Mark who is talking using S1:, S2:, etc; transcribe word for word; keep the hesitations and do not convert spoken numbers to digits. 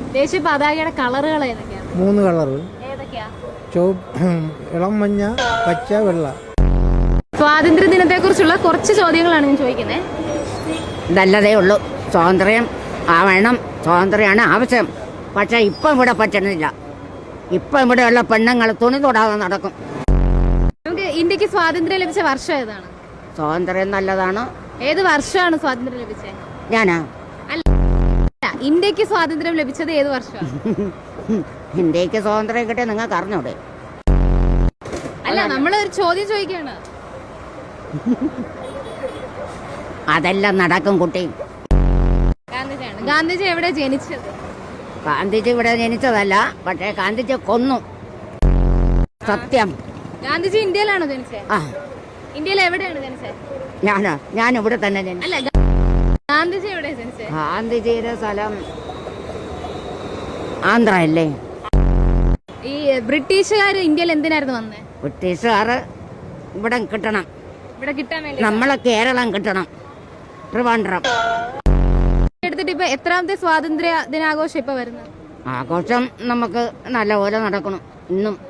S1: ദേശീയ പതാകയുടെ കളറുകൾ ഏതൊക്കെയാണ്?
S2: മൂന്ന് കളർ.
S1: ഏതൊക്കെയാ?
S2: ഇളം മഞ്ഞ, പച്ച, വെള്ള.
S1: സ്വാതന്ത്ര്യ ദിനത്തെ കുറിച്ചുള്ള കുറച്ച് ചോദ്യങ്ങളാണ് ഞാൻ ചോദിക്കുന്നത്.
S3: നല്ലതേ ഉള്ളൂ. സ്വാതന്ത്ര്യം ആവണം, സ്വാതന്ത്ര്യമാണ് ആവശ്യം. പക്ഷെ ഇപ്പം ഇവിടെ പറ്റണില്ല. ഇപ്പം ഇവിടെയുള്ള പെണ്ണുങ്ങൾ തുണി തൊടാതെ നടക്കും.
S1: നമുക്ക് ഇന്ത്യക്ക് സ്വാതന്ത്ര്യം ലഭിച്ച വർഷം ഏതാണ്?
S3: സ്വാതന്ത്ര്യം നല്ലതാണ്.
S1: ഏത് വർഷമാണ് സ്വാതന്ത്ര്യം ലഭിച്ചത്?
S3: ഞാനാ
S1: അല്ല, ഇന്ത്യക്ക് സ്വാതന്ത്ര്യം ലഭിച്ചത് ഏത് വർഷമാണ്?
S3: ഇന്ത്യക്ക് സ്വാതന്ത്ര്യം കിട്ടിയ നിങ്ങൾക്ക് അറിഞ്ഞൂടെ?
S1: അല്ല, നമ്മൾ ഒരു ചോദ്യം ചോദിക്കാണ്.
S3: അതെല്ലാം നടക്കും കുട്ടി.
S1: ഗാന്ധിജിയാണ്. ഗാന്ധിജി എവിടെ ജനിച്ചത്?
S3: ഗാന്ധിജി ഇവിടെ ജനിച്ചതല്ല, പക്ഷേ ഗാന്ധിജി കൊന്നു. സത്യം.
S1: ഗാന്ധിജി ഇന്ത്യയിലാണോ ജനിച്ചത്?
S3: ആ,
S1: ഇന്ത്യയിൽ എവിടെയാണ് ജനിച്ചത്?
S3: ഞാനാ ഞാൻ ഇവിടെ തന്നെ ജനിച്ചു.
S1: അല്ല, ഗാന്ധിജി എവിടെ ജനിച്ചത്?
S3: ഗാന്ധിജിയുടെ സ്ഥലം ആന്ധ്ര അല്ലേ?
S1: ഈ ബ്രിട്ടീഷുകാർ ഇന്ത്യയിൽ എന്തിനായിരുന്നു വന്നത്?
S3: ബ്രിട്ടീഷുകാർ ഇവിടെ കിട്ടണം,
S1: ഇവിടെ കിട്ടാൻ വേണ്ടി.
S3: നമ്മളെ കേരളം കിട്ടണം, ട്രിവാൻഡ്രം.
S1: എടുത്തിട്ട് ഇപ്പൊ എത്രാമത്തെ സ്വാതന്ത്ര്യ ദിനാഘോഷം ഇപ്പൊ വരുന്നത്?
S3: ആഘോഷം നമുക്ക് നല്ലപോലെ നടക്കണം ഇന്നും.